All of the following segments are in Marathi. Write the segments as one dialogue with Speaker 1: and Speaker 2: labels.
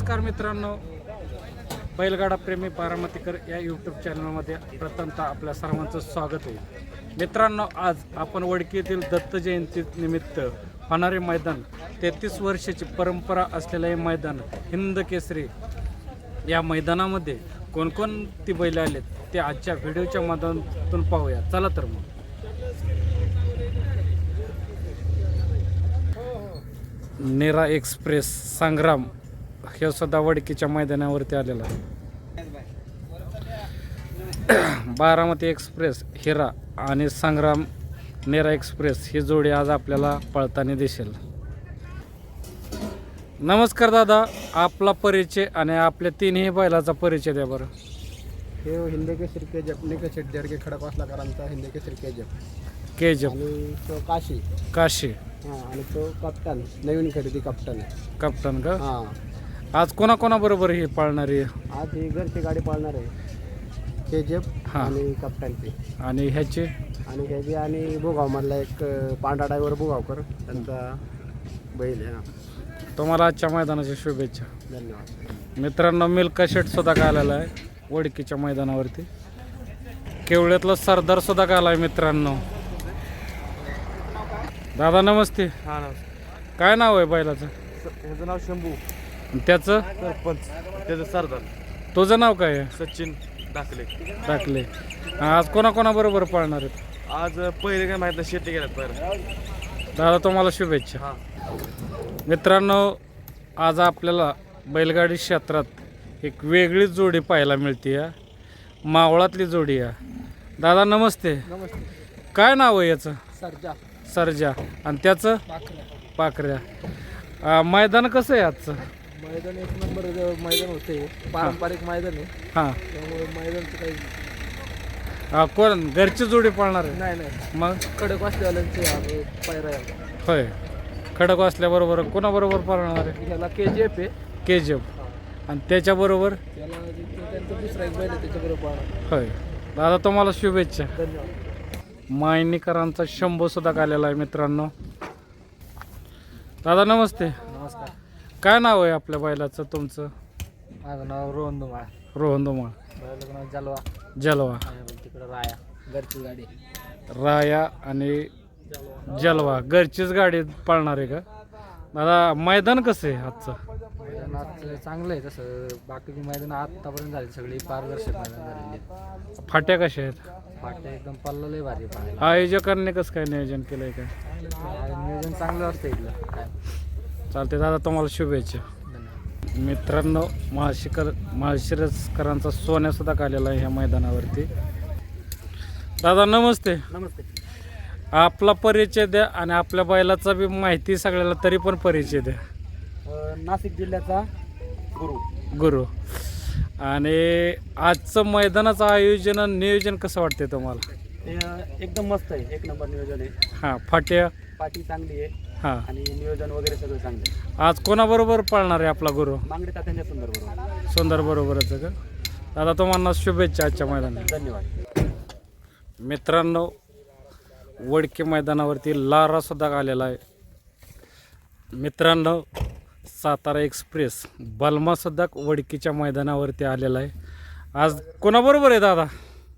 Speaker 1: नमस्कार मित्रांनो, बैलगाडा प्रेमी बारामतीकर या यूट्यूब चॅनलमध्ये प्रथमतः आपल्या सर्वांचं स्वागत आहे. मित्रांनो, आज आपण वडकी येथील दत्त जयंती निमित्त होणारे मैदान 33 वर्षाची परंपरा असलेले हे मैदान हिंद केसरी या मैदानामध्ये कोणकोणती बैल आलेत ते आजच्या व्हिडिओच्या माध्यमातून पाहूया. चला तर मग. नेरा एक्सप्रेस संग्राम हे सुद्धा वडकीच्या मैदानावरती आलेला आहे. बारामती एक्सप्रेस हिरा आणि संग्राम नेरा एक्सप्रेस ही जोडी आज आपल्याला पळताना दिसेल. नमस्कार दादा, आपला परिचय आणि आपल्या तिन्ही बैलाचा परिचय द्या बरं.
Speaker 2: हे हिंद केसरी केजप निकष जडगे खडकवासलाकरांचा हिंद केसरी
Speaker 1: केजप
Speaker 2: आणि तो
Speaker 1: काशी
Speaker 2: हां, आणि तो कप्तान नवीन खरेदी कप्तान आहे.
Speaker 1: कप्तान का?
Speaker 2: हां,
Speaker 1: आज कोणाकोणाबरोबर ही पाळणारी
Speaker 2: आज ही घरची गाडी पाळणार आहे केजप
Speaker 1: हां.
Speaker 2: आणि कप्तानची
Speaker 1: आणि ह्याची
Speaker 2: आणि ह्याची आणि भुगावमधला एक पांढरा ड्रायव्हर भुगावकर त्यांचा बैल आहे. हां,
Speaker 1: तुम्हाला आजच्या मैदानाच्या शुभेच्छा.
Speaker 2: धन्यवाद.
Speaker 1: मित्रांनो, मिल्का शेट सुद्धा आलेला आहे वडकीच्या मैदानावरती. केवळ्यातला सरदार सुद्धा आला आहे मित्रांनो. दादा नमस्ते.
Speaker 2: हां, नमस्कार.
Speaker 1: काय नाव आहे बैलाचं?
Speaker 2: ह्याचं नाव शंभू,
Speaker 1: त्याचं
Speaker 2: सरपंच त्याचं सरदार.
Speaker 1: तुझं नाव काय आहे?
Speaker 2: सचिन दाखले.
Speaker 1: टाकले. आज कोणाकोणाबरोबर पाळणार आहेत?
Speaker 2: आज पहिले काय माहिती शेती गेल्यात बरं.
Speaker 1: दादा तुम्हाला शुभेच्छा.
Speaker 2: हां,
Speaker 1: मित्रांनो, आज आपल्याला बैलगाडी क्षेत्रात एक वेगळीच जोडी पाहायला मिळते. या मावळातली जोडी आहे. दादा नमस्ते.
Speaker 2: नमस्ते.
Speaker 1: काय नाव आहे याचं?
Speaker 2: सरजा
Speaker 1: सरजा. आणि त्याचं पाखऱ्या. मैदान कसं आहे आजचं?
Speaker 2: मैदान एक नंबर मैदान होते, पारंपरिक मैदान आहे.
Speaker 1: हां,
Speaker 2: त्यामुळे मैदानचं काही
Speaker 1: कोण घरची जोडी पाळणार आहे?
Speaker 2: नाही
Speaker 1: मग
Speaker 2: कडक वाचल्यावाल्यांचे पायरा आहे.
Speaker 1: होय, खडक वाचल्याबरोबर कोणाबरोबर पाळणार आहे?
Speaker 2: ह्याला KGF आहे,
Speaker 1: केजप. आणि त्याच्याबरोबर
Speaker 2: त्याला त्यांचा दुसरा एक बैल आहे त्याच्याबरोबर पाळणार.
Speaker 1: होय. दादा तुम्हाला शुभेच्छा.
Speaker 2: धन्यवाद.
Speaker 1: मायनीकरांचा शंभू सुद्धा आलेला आहे मित्रांनो. दादा नमस्ते.
Speaker 2: नमस्कार.
Speaker 1: काय नाव आहे आपल्या बैलाचं तुमचं?
Speaker 2: माझं नाव रोहन धुमाळ.
Speaker 1: रोहन धुमाळ.
Speaker 2: बैलाचं नाव जलवा.
Speaker 1: जलवा.
Speaker 2: तिकडं राया घरची गाडी.
Speaker 1: राया आणि जलवा घरचीच गाडी पाळणार आहे का? दादा मैदान कसं आहे आजचं?
Speaker 2: मैदान आज चांगलं आहे. तसं बाकीची मैदान आत्तापर्यंत झाली सगळी पारदर्शक मैदान झालेली.
Speaker 1: फाट्या कशा आहेत?
Speaker 2: फाटे एकदम पल्ला लय भारी पाहिजे.
Speaker 1: आयोजकांनी कसं काय नियोजन केलंय काय?
Speaker 2: नियोजन चांगलं असतं इथलं काय.
Speaker 1: चालते दादा, तुम्हाला शुभेच्छा.
Speaker 2: धन्यवाद.
Speaker 1: मित्रांनो, माळशिरसकरांचा सोन्या सुद्धा आलेला आहे ह्या मैदानावरती. दादा नमस्ते.
Speaker 2: नमस्ते.
Speaker 1: आपला परिचय द्या आणि आपल्या बैलाचा बी माहिती सगळ्याला तरी पण परिचय द्या.
Speaker 2: नाशिक जिल्ह्याचा
Speaker 1: गुरु. आणि आजचं मैदानाचं आयोजन आणि नियोजन कसं वाटते तुम्हाला?
Speaker 2: एकदम मस्त आहे, एक नंबर नियोजन आहे.
Speaker 1: हां, फाट्या.
Speaker 2: पाठी चांगली आहे
Speaker 1: हां.
Speaker 2: आणि नियोजन वगैरे सगळं चांगलं आहे.
Speaker 1: आज कोणाबरोबर पाळणार आहे आपला गुरु?
Speaker 2: मांगडे तात्यांच्या सुंदर बरोबर.
Speaker 1: सुंदर बरोबरच आहे का? दादा तुम्हाला शुभेच्छा आजच्या मैदानात.
Speaker 2: धन्यवाद.
Speaker 1: मित्रांनो, वडकी मैदानावरती लारा सुद्धा आलेला आहे मित्रांनो. सातारा एक्सप्रेस बलमा सुद्धा वडकीच्या मैदानावरती आलेला आहे. आज कोणाबरोबर आहे दादा?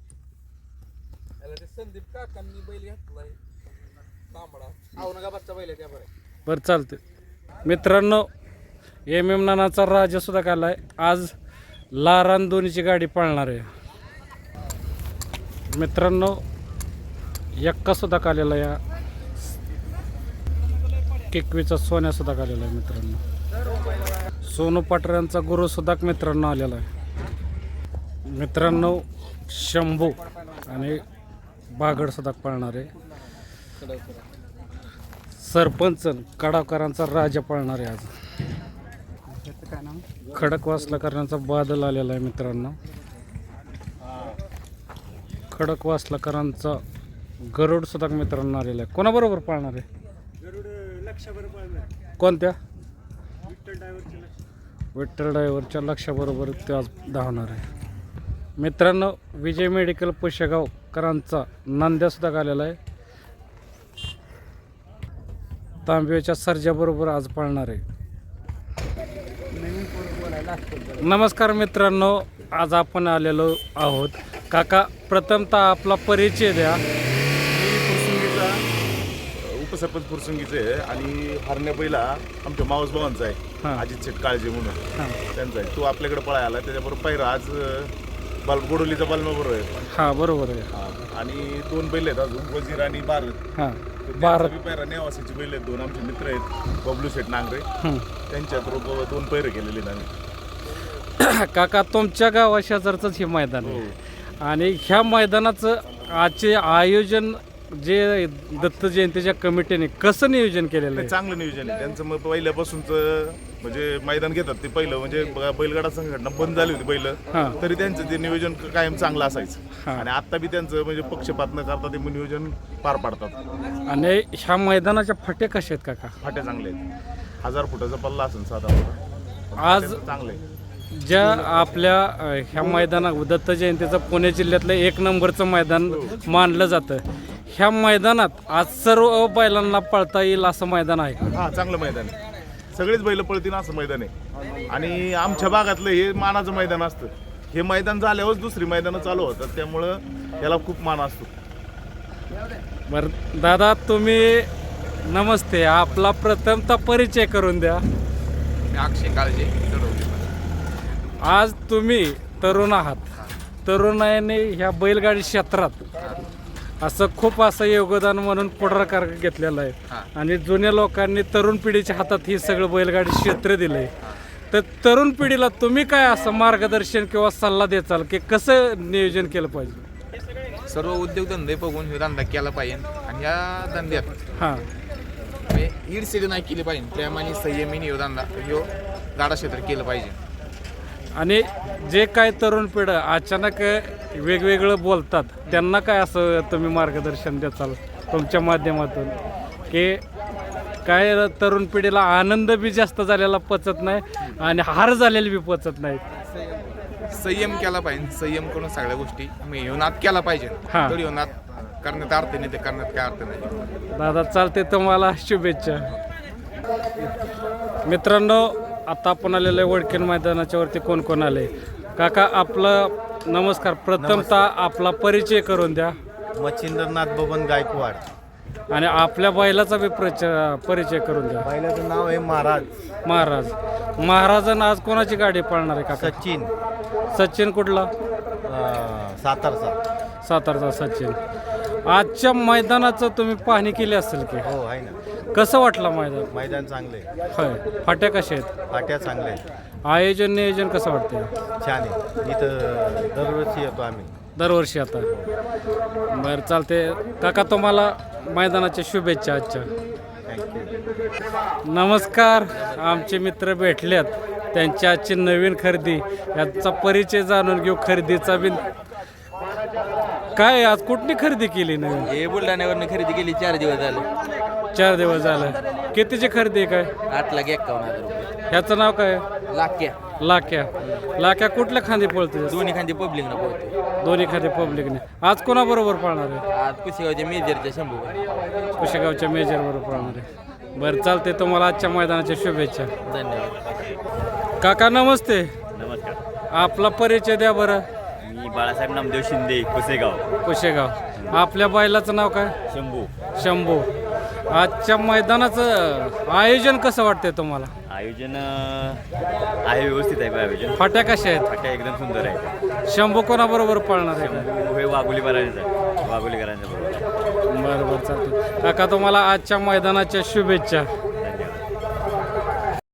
Speaker 2: संदीप काकांनी बैल घेतलाय तांबडा औरंगाबादचा बैल आहे त्याबरोबर.
Speaker 1: बरं, चालते. मित्रांनो, MM नानाचा राजा सुद्धा आला आहे. आज लारान दोन्हीची गाडी पाळणार आहे मित्रांनो. एक्का सुद्धा आलेला या किकवीचा सोन्या सुद्धा आलेला आहे मित्रांनो. सोनू पाटऱ्यांचा गुरु सुद्धा मित्रांनो आलेला आहे मित्रांनो. शंभू आणि बागड सुद्धा पाळणार आहे. सरपंच कडावकरांचा राजा पाळणार आहे आज. खडकवासलाकरांचा बादल आलेला आहे मित्रांनो. खडकवासलाकरांचा गरुड सुद्धा मित्रांनो आलेला आहे. कोणाबरोबर पाळणार आहे? कोणत्या? विठ्ठल ड्रायव्हरच्या लक्षाबरोबर ते आज धावणार आहे मित्रांनो. विजय मेडिकल पुशेगावकरांचा नंद्या सुद्धा आलेला आहे. तांब्याच्या सर्जाबरोबर आज पाळणार आहे. नमस्कार मित्रांनो, आज आपण आलेलो आहोत. काका, प्रथमतः आपला परिचय द्या.
Speaker 3: मी फुरसुंगीचा उपसरपंच फुरसुंगीचे आहे आणि हरण्या पहिला आमच्या मावस भावांचा
Speaker 1: हां.
Speaker 3: आहे, अजित शेट काळजे म्हणून
Speaker 1: हां
Speaker 3: त्यांचा आहे. तो आपल्याकडे पळायला आला, त्याच्याबरोबर पहिला आज गोडोलीचा बालमा बरोबर आहे.
Speaker 1: हां बरोबर आहे.
Speaker 3: आणि 2 बैल आहेत अजून, वजीर आणि भारत.
Speaker 1: हां
Speaker 3: भारत
Speaker 1: भारत.
Speaker 3: पैरा नेवासीचे बैल आहेत, 2 आमचे मित्र आहेत, बबलू शेट नांगरे. त्यांच्या बरोबर 2 पैरे केलेले आहेत आम्ही.
Speaker 1: काका, तुमच्या गावा शेजारचंच हे मैदान
Speaker 3: हो.
Speaker 1: आहे आणि ह्या मैदानाचं आजचे आयोजन जे दत्त जयंतीच्या कमिटीने कसं नियोजन केलेलं
Speaker 3: नाही,
Speaker 1: आहे?
Speaker 3: चांगलं नियोजन आहे त्यांचं. मग पहिल्यापासूनच म्हणजे मैदान घेतात ते पहिलं, म्हणजे बैलगाडा संघटना बंद झाली होती बैल,
Speaker 1: हां.
Speaker 3: तरी त्यांचं ते नियोजन कायम चांगलं असायचं.
Speaker 1: हां.
Speaker 3: आणि आता बी त्यांचं म्हणजे पक्षपात न करता ते नियोजन पार पाडतात.
Speaker 1: आणि ह्या मैदानाच्या फाट्या कशा आहेत काका?
Speaker 3: फाट्या चांगले आहेत, 1000 फुटाचा पल्ला असेल साधारण.
Speaker 1: आज
Speaker 3: चांगले आहे.
Speaker 1: ज्या आपल्या ह्या मैदानात दत्त जयंतीचं पुणे जिल्ह्यातलं 1 नंबरचं मैदान मानलं जातं. ह्या मैदानात आज सर्व बैलांना पळता येईल असं मैदान आहे का?
Speaker 3: हां, चांगलं मैदान आहे. सगळेच बैल पळतील असं मैदान आहे. आणि आमच्या भागातलं हे मानाचं मैदान असतं. हे मैदान झाल्यावरच दुसरी मैदानं चालू होतात, त्यामुळं याला खूप मान असतो.
Speaker 1: बरं दादा, तुम्ही नमस्ते, आपला प्रथमतः परिचय करून द्या.
Speaker 4: मी अक्षय काळजे चढवली.
Speaker 1: आज तुम्ही तरुण आहात. तरुणाने ह्या बैलगाडी क्षेत्रात असं खूप असं योगदान म्हणून पुढाकार घेतलेलं आहे आणि जुन्या लोकांनी तरुण पिढीच्या हातात हे सगळं बैलगाडी क्षेत्र दिलंय. तर तरुण पिढीला तुम्ही काय असं मार्गदर्शन किंवा सल्ला द्याल की कसं नियोजन केलं पाहिजे?
Speaker 4: सर्व उद्योगधंदे बघून हे धंदा केला पाहिजे आणि या धंद्यात
Speaker 1: हां
Speaker 4: ईडसिडी नाही केली पाहिजे. प्रेमाने संयमीने ह्यो धंदा ह्यो गाडा क्षेत्र केलं पाहिजे.
Speaker 1: आणि जे काय तरुण पिढं अचानक वेगवेगळं बोलतात, त्यांना काय असं तुम्ही मार्गदर्शन द्याल तुमच्या माध्यमातून की काय तरुण पिढीला आनंद बी जास्त झालेला पचत नाही आणि हार झालेली बी पचत नाही?
Speaker 4: संयम केला पाहिजे. संयम करून सगळ्या गोष्टी मी ह्यो नाद केला पाहिजे.
Speaker 1: हां.
Speaker 4: तर ह्यो नाद करण्यात अर्थ नाही, ते करण्यात काय अर्थ नाही.
Speaker 1: दादा, चालते, तुम्हाला शुभेच्छा. मित्रांनो, आता आपण आलेलं आहे वडकीन मैदानाच्या वरती. कोण कोण आले? काका, आपलं नमस्कार. प्रथमतः आपला परिचय करून द्या
Speaker 5: मच्छिंद्रनाथ बबन गायकवाड.
Speaker 1: आणि आपल्या बैलाचा बी परिचय करून द्या.
Speaker 5: बैलाचं नाव आहे महाराज.
Speaker 1: महाराजांना आज कोणाची गाडी पळणार आहे काका?
Speaker 5: सचिन
Speaker 1: सचिन कुठला?
Speaker 5: सातारचा.
Speaker 1: सातारचा सचिन. आजच्या मैदानाचं तुम्ही पाहणी केली असेल की?
Speaker 5: हो आहे ना.
Speaker 1: कसं वाटलं मैदान?
Speaker 5: मैदान चांगले,
Speaker 1: होय. फाट्या कशा आहेत?
Speaker 5: फाट्या चांगले,
Speaker 1: आयोजन नियोजन कसं वाटतंय?
Speaker 5: छान आहे. इथं दरवर्षी येतो आम्ही.
Speaker 1: दरवर्षी आता. बरं, चालते काका, तुम्हाला मैदानाच्या शुभेच्छा आजच्या.
Speaker 5: थँक्यू.
Speaker 1: नमस्कार. आमचे मित्र भेटल्यात, त्यांची आजची नवीन खरेदी याचा परिचय जाणून घेऊ. खरेदीचा बी काय, आज कुठली खरेदी केली नवीन?
Speaker 6: हे बुलढाण्यावरनं खरेदी केली 4 दिवस झाले.
Speaker 1: 4 दिवस झालं. कितीची खरेदी आहे काय?
Speaker 6: 8,51,000 रुपये.
Speaker 1: ह्याचं नाव काय?
Speaker 6: लाख्या
Speaker 1: लाक्या कुठल्या खांदी पळतो?
Speaker 6: दोन्ही खांदी पब्लिकनं पोहतो.
Speaker 1: दोन्ही खांदी पब्लिकने. आज कोणाबरोबर पळणार आहे?
Speaker 6: आज पुसेगावच्या मेजरच्या शंभू.
Speaker 1: कुशेगावच्या मेजर बरोबर पळणार आहे. बरं, चालते, तुम्हाला आजच्या मैदानाच्या शुभेच्छा.
Speaker 6: धन्यवाद.
Speaker 1: काका नमस्ते.
Speaker 7: नमस्कार,
Speaker 1: आपला परिचय द्या बरं.
Speaker 7: मी बाळासाहेब नामदेव शिंदे, कुसेगाव.
Speaker 1: कुशेगाव. आपल्या बैलाचं नाव काय? शंभू. आजच्या मैदानाचं आयोजन कसं वाटतंय तुम्हाला?
Speaker 7: आयोजन आहे, व्यवस्थित आहे आयोजन.
Speaker 1: फाट्या कशा आहेत?
Speaker 7: फाट्या एकदम सुंदर आहे.
Speaker 1: शंभू कोणाबरोबर पळणार आहे?
Speaker 7: हे वाघोलीकरांचं बरोबर.
Speaker 1: बरं चालते काका, तुम्हाला आजच्या मैदानाच्या शुभेच्छा.